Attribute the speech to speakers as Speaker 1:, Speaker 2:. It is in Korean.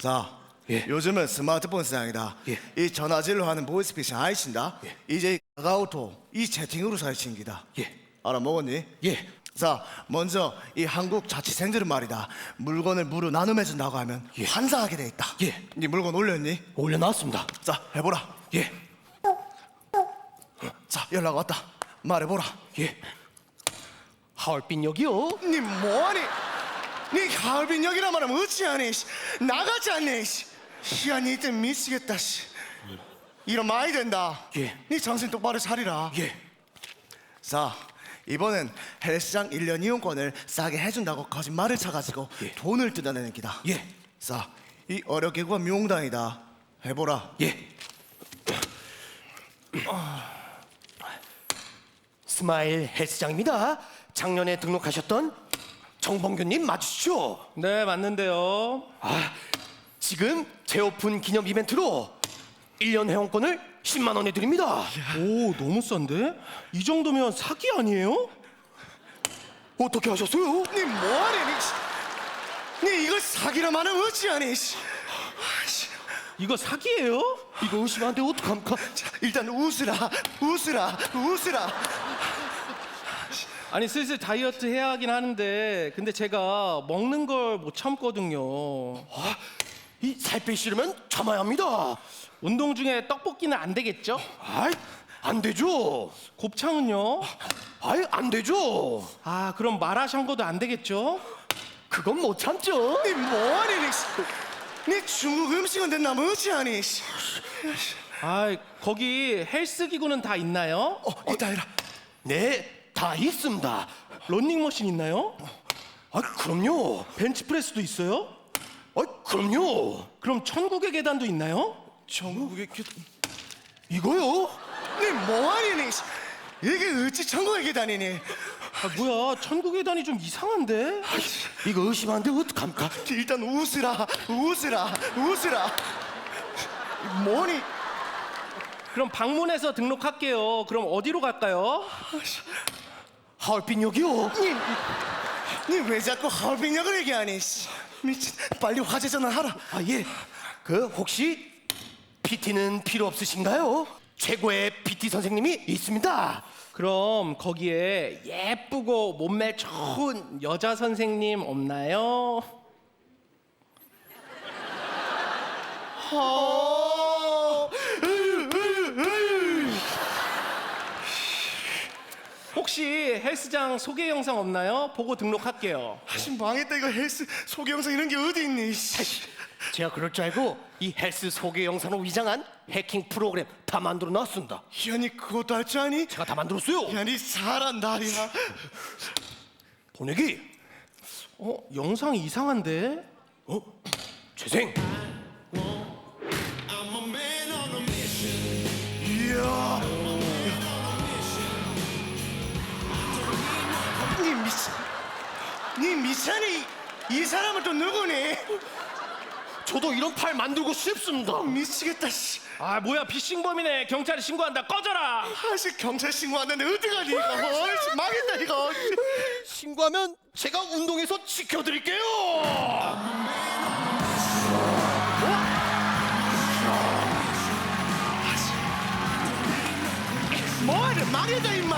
Speaker 1: 자,
Speaker 2: 예.
Speaker 1: 요즘은 스마트폰 세상이다.
Speaker 2: 예.
Speaker 1: 이 전화질로 하는 보이스피싱 아이신다.
Speaker 2: 예.
Speaker 1: 이제 카카오톡 이 채팅으로 사칭기다.
Speaker 2: 예.
Speaker 1: 알아먹었니?
Speaker 2: 예.
Speaker 1: 자, 먼저 이 한국 자취생들은 말이다. 물건을 무료 나눔해준다고 하면
Speaker 2: 예.
Speaker 1: 환상하게 돼 있다.
Speaker 2: 예.
Speaker 1: 네 물건 올렸니?
Speaker 2: 올려놨습니다.
Speaker 1: 자, 해보라.
Speaker 2: 예.
Speaker 1: 자, 연락 왔다. 말해보라.
Speaker 2: 예. 하얼빈역이요?
Speaker 1: 니 뭐하니? 니 가을빈역이라 말하면 어찌하니? 나가지 않니? 야, 니 이때 미치겠다. 이런 많이 된다.
Speaker 2: 예.
Speaker 1: 니 정신 똑바로 차리라.
Speaker 2: 예.
Speaker 1: 자, 이번엔 헬스장 1년 이용권을 싸게 해준다고 거짓말을 쳐가지고
Speaker 2: 예.
Speaker 1: 돈을 뜯어내는 기다.
Speaker 2: 예.
Speaker 1: 자, 이 어렵게구가 미용당이다. 해보라.
Speaker 2: 예. 스마일 헬스장입니다. 작년에 등록하셨던 정봉규님 맞으시죠?
Speaker 3: 네, 맞는데요.
Speaker 2: 지금 재오픈 기념 이벤트로 1년 회원권을 10만 원에 드립니다.
Speaker 3: 오, 너무 싼데? 이 정도면 사기 아니에요?
Speaker 2: 어떻게 하셨어요?
Speaker 1: 니 뭐하니? 니 이걸 사기라 말하면 어찌하니?
Speaker 3: 이거 사기예요?
Speaker 2: 이거 의심 안 돼 어떡합니까?
Speaker 1: 자, 일단 웃으라, 웃으라, 웃으라.
Speaker 3: 아니, 슬슬 다이어트 해야 하긴 하는데 근데 제가 먹는 걸 못 참거든요.
Speaker 2: 이 살 빼시려면 참아야 합니다.
Speaker 3: 운동 중에 떡볶이는 안 되겠죠?
Speaker 2: 아이, 안 되죠.
Speaker 3: 곱창은요?
Speaker 2: 아이, 안 되죠.
Speaker 3: 아, 그럼 마라샹궈도 안 되겠죠?
Speaker 2: 그건 못 참죠.
Speaker 1: 니 뭐하니? 니 중국 음식은 됐나 어찌하니?
Speaker 3: 아, 거기 헬스 기구는 다 있나요?
Speaker 1: 이따 해라.
Speaker 2: 네, 다 있습니다.
Speaker 3: 런닝머신 있나요?
Speaker 2: 아, 그럼요.
Speaker 3: 벤치프레스도 있어요?
Speaker 2: 아, 그럼요.
Speaker 3: 그럼 천국의 계단도 있나요?
Speaker 1: 전국의
Speaker 2: 이거요?
Speaker 1: 니 뭐하니? 이게 어찌 천국에 계다니니?
Speaker 3: 아, 뭐야, 천국의 계단이 좀 이상한데?
Speaker 2: 이거 의심 안 돼 어떡합니까?
Speaker 1: 일단 웃으라, 웃으라, 웃으라. 뭐니?
Speaker 3: 그럼 방문해서 등록할게요. 그럼 어디로 갈까요?
Speaker 2: 하얼빈역이요.
Speaker 1: 니 왜 자꾸 하얼빈역을 얘기하니? 미친, 빨리 화재 전화하라.
Speaker 2: 아, 예. 그 혹시 PT는 필요 없으신가요? 최고의 PT 선생님이 있습니다.
Speaker 3: 그럼 거기에 예쁘고 몸매 좋은 여자 선생님 없나요? 혹시 헬스장 소개 영상 없나요? 보고 등록할게요.
Speaker 1: 아씨 망했다 이거 헬스 소개 영상 이런 게 어디 있니?
Speaker 2: 제가 그럴 줄 알고 이 헬스 소개 영상으로 위장한 해킹 프로그램 다 만들어 놨습니다.
Speaker 1: 야니 그것도 할 줄 아니?
Speaker 2: 제가 다 만들었어요.
Speaker 1: 야니 사람 날이야.
Speaker 2: 보내기.
Speaker 3: 영상이 이상한데?
Speaker 2: 재생.
Speaker 1: 이야. 니 미찬이 이 사람은 또 누구니?
Speaker 2: 저도 이런 팔 만들고 싶습니다.
Speaker 1: 미치겠다 씨.
Speaker 3: 아, 뭐야, 피싱범이네. 경찰에 신고한다. 꺼져라.
Speaker 1: 아씨 경찰 신고하는데 어떡하니 이거? 어이씨 망했다 이거.
Speaker 2: 신고하면 제가 운동에서 지켜드릴게요.
Speaker 1: 뭐하냐 망했다 임마.